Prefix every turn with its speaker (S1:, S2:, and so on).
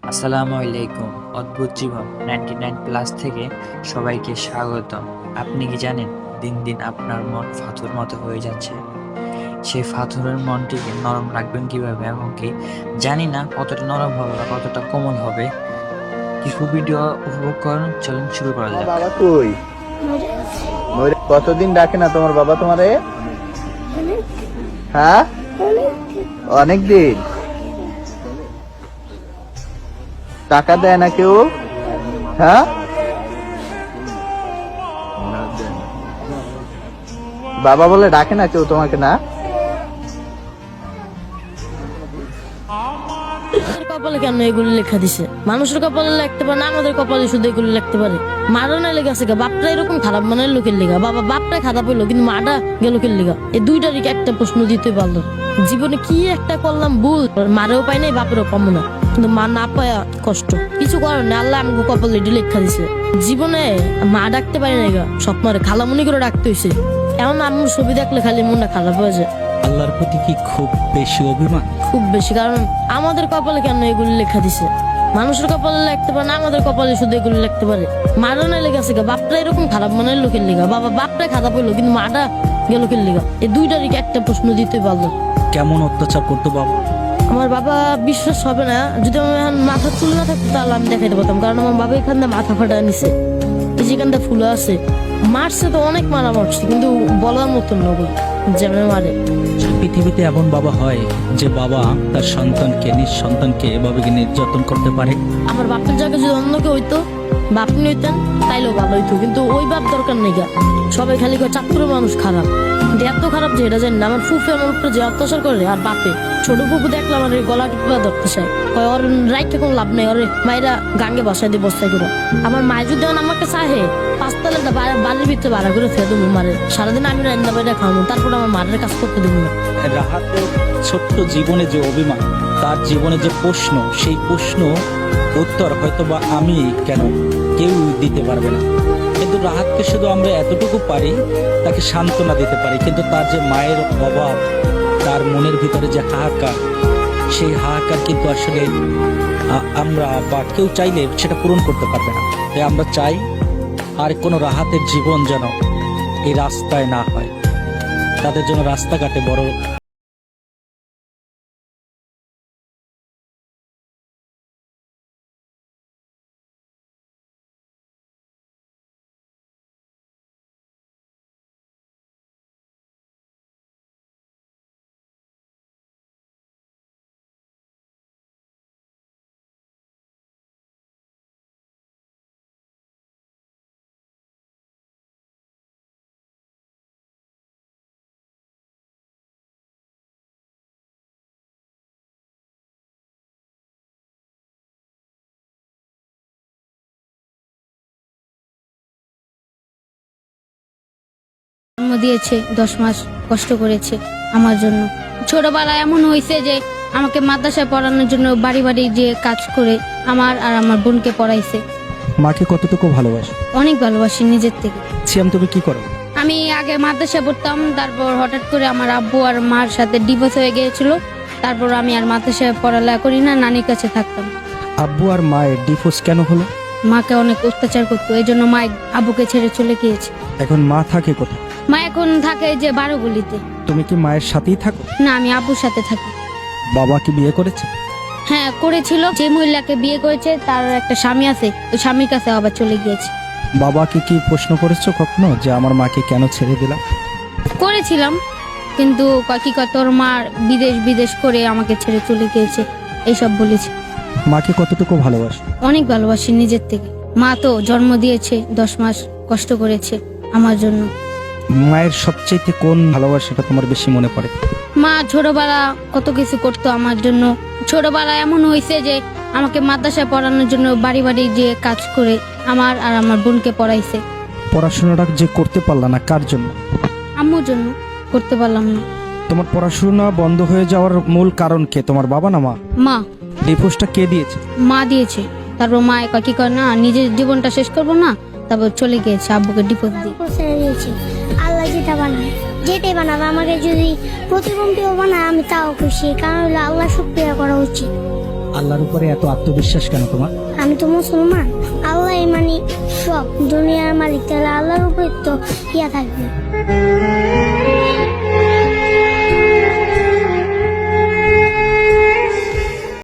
S1: আসসালামু আলাইকুম। অদ্ভুত জীবন 99 প্লাস থেকে সবাইকে স্বাগতম। আপনি কি জানেন দিন দিন আপনার মন পাথর মতো হয়ে যাচ্ছে? সেই পাথরের মনটিকে নরম রাখবেন কিভাবে, এবং কি জানি না কতটা নরম হবে বা কতটা কোমল হবে। কিছু ভিডিও উপভোগ করুন, চলুন শুরু করা যাক।
S2: বাবা কই? কতদিন ডাকে না তোমার বাবা তোমারে? হ্যাঁ, অনেক দিন। টাকা দেয় না কেউ? হ্যাঁ, বাবা বলে ডাকে না কেউ তোমাকে? না,
S3: কপালে কেন এগুলো লেখা দিছে? মানুষের কপালে লিখতে পারে না, আমাদের কপালে শুধু এগুলো লিখতে পারে। মারা না লেগে আছে বাপটা এরকম খারাপ মানের লোকের লেগা, বাবা বাপটা খারাপ হইলো কিন্তু মাটা গেল লোকের লেগা। এই দুইটারই একটা প্রশ্ন দিতে পারলো, জীবনে কি একটা করলাম ভুল? মারেও পাই নাই, বাপেরও কম না, কিন্তু মা না পায়া কষ্ট। কিছু করার নেই, আল্লাহ আমাকে কপালে এটি লেখা দিছে। জীবনে মা ডাকতে পারি না গা, স্বপ্নরে খালামুনি করে ডাকতে হয়েছে। এমন আম্মুর ছবি দেখলে খালি মনটা খারাপ হয়ে যায়।
S4: আল্লাহর প্রতি কি খুব বেশি অভিমান?
S3: খুব বেশি, কারণ আমাদের কপালে কেন এগুলো লেখা দিছে? মানুষের কপালে লিখতে পারে না, আমাদের কপালে শুধু এগুলো লিখতে পারে। মারা না লেগে আছে বাপটা এরকম খারাপ মানের লোকের লেগা, বাবা বাপটা খারাপ হইলো কিন্তু মাটা গেল লোকের লেগা। এই দুইটারই একটা প্রশ্ন দিতে পারলো।
S4: কেমন অত্যাচার করতো বাবা?
S3: আমার বাবা বিশ্বাস হবে না, যদি আমার এখন মাথা চুল না থাকতো তাহলে আমি দেখাইতে পারতাম, কারণ আমার বাবা এখান থেকে মাথা ফাটা নিছে, এই যেখানটা ফুলে আছে। মারছে তো অনেক মারা মারছে, কিন্তু বলার মতন নয় যেমন মারে।
S4: পৃথিবীতে এমন বাবা হয় যে বাবা তার সন্তানকে, নিজ সন্তানকে এভাবে নির্যাতন করতে পারে?
S3: আমার বাপের জায়গায় যদি অন্য কেউ হইতো, বাপ হইতেন তাইলেও ভালো হইতো, কিন্তু ওই বাপ দরকার নেই গা। সবাই খালি কয় চাঁদপুরের মানুষ খারাপ, কিন্তু এত খারাপ যে এটা জানি না। আমার ফুফে আমার উপরে যে অত্যাচার করে, আর বাপে ছোট ফুফু দেখলাম আমার গলা টিপা ধরতে চায়, কয় ওর রাইটে কোনো লাভ নেই, ওরে মায়েরা গাঙ্গে বসাই দিয়ে বস্তায় করে। আমার মায় যদি আমাকে চাহে পাঁচতলাটা বাড়ির ভিতরে ভাড়া করে ফেলে দেবো মারে, সারাদিন আমি রান্না বাইরে খাওয়াবো, তারপর আমার মারের কাজ করতে দেবো না।
S4: রাহাতের ছোট্ট জীবনে যে অভিমান, তার জীবনে যে প্রশ্ন, সেই প্রশ্ন উত্তর হয়তো বা আমি কেন কেউ দিতে পারবে না, কিন্তু রাহাতকে শুধু আমরা এতটুকু পারি, তাকে সান্ত্বনা দিতে পারি। কিন্তু তার যে মায়ের অভাব, তার মনের ভিতরে যে হাহাকার, সেই হাহাকার কিন্তু আসলে আমরা বা কেউ চাইলে সেটা পূরণ করতে পারবে না। তাই আমরা চাই আর কোনো রাহাতের জীবন যেন এই রাস্তায় না হয়, তাদের জন্য রাস্তাঘাটে বড়
S5: জন্ম দিয়েছে, 10 মাস কষ্ট করেছে আমার জন্য। ছোটবেলায় এমন হয়েছে যে আমাকে মাদ্রাসায় পড়ানোর জন্য বাড়ি বাড়ি যে কাজ করে আমার আর আমার বোনকে পড়াইছে।
S4: মাকে কতটুকু ভালোবাসে?
S5: অনেক ভালোবাসি নিজের থেকে।
S4: সিয়াম, তুমি কি করো?
S5: আমি আগে মাদ্রাসায় পড়তাম, তারপর হঠাৎ করে আমার আব্বু আর মার সাথে ডিভোর্স হয়ে গিয়েছিল, তারপর আমি আর মাদ্রাসায় পড়ালেখা করি না, নানির কাছে থাকতাম।
S4: আব্বু আর মায়ের ডিভোর্স কেন হলো?
S5: মাকে অনেক অত্যাচার করতো, এই জন্য মা আব্বুকে ছেড়ে চলে গিয়েছে।
S4: এখন মা থাকে কোথায়?
S5: মা এখন থাকে যে 12 গলিতে।
S4: তুমি কি মায়ের সাথেই থাকো?
S5: না, আমি আব্বুর সাথে থাকি।
S4: বাবা কি বিয়ে করেছে?
S5: হ্যাঁ করেছিল, যে মহিলাকে বিয়ে করেছে তার একটা স্বামী আছে, ওই স্বামীর কাছে আবার চলে গিয়েছে।
S4: বাবাকে কি প্রশ্ন করেছো কখনো যে আমার মাকে কেন ছেড়ে দিলাম?
S5: করেছিলাম, কিন্তু কি কয় তোর মা বিদেশ বিদেশ করে আমাকে ছেড়ে চলে গিয়েছে, এইসব বলেছে।
S4: মাকে কতটুকু ভালোবাসো?
S5: অনেক ভালোবাসি নিজের থেকে। মা তো জন্ম দিয়েছে, 10 মাস কষ্ট করেছে আমার জন্য।
S4: মায়ের সবচেয়ে কোন ভালোবাসাটা তোমার বেশি মনে পড়ে?
S5: মা ছোটবেলা কত কিছু করতো আমার জন্য। ছোটবেলা এমন হয়েছে যে আমাকে মাদ্রাসায় পড়ানোর জন্য বাড়ি বাড়ি যে কাজ করে আমার আর আমার বোনকে পড়াইছে।
S4: পড়াশোনাটা যে করতে পারলা না কার জন্য?
S5: আম্মুর জন্য করতে পারলাম না।
S4: তোমার পড়াশোনা বন্ধ হয়ে যাওয়ার মূল কারণ কে, তোমার বাবা না মা?
S5: মা।
S4: ডিভোর্সটা কে দিয়েছে?
S5: মা দিয়েছে, তারপর মা কি করে না নিজের জীবনটা শেষ করবো না, তারপর চলে গিয়েছে আব্বুকে ডিভোর্স দিয়ে।
S6: ছেড়ে দিয়েছি। আল্লাহ যেটা বানায়, যেটাই বানাবে, আমাকে যদি প্রতিবন্ধীও বানায় আমি তাও খুশি, কারণ হলো আল্লাহ শুকরিয়া করা উচিত।
S4: আল্লাহর উপরে এত আত্মবিশ্বাস কেন তোমার?
S6: আমি তো মুসলমান, আল্লাহ মানে সব দুনিয়ার মালিক, তাহলে আল্লাহর উপরে তো ইয়া থাকবে।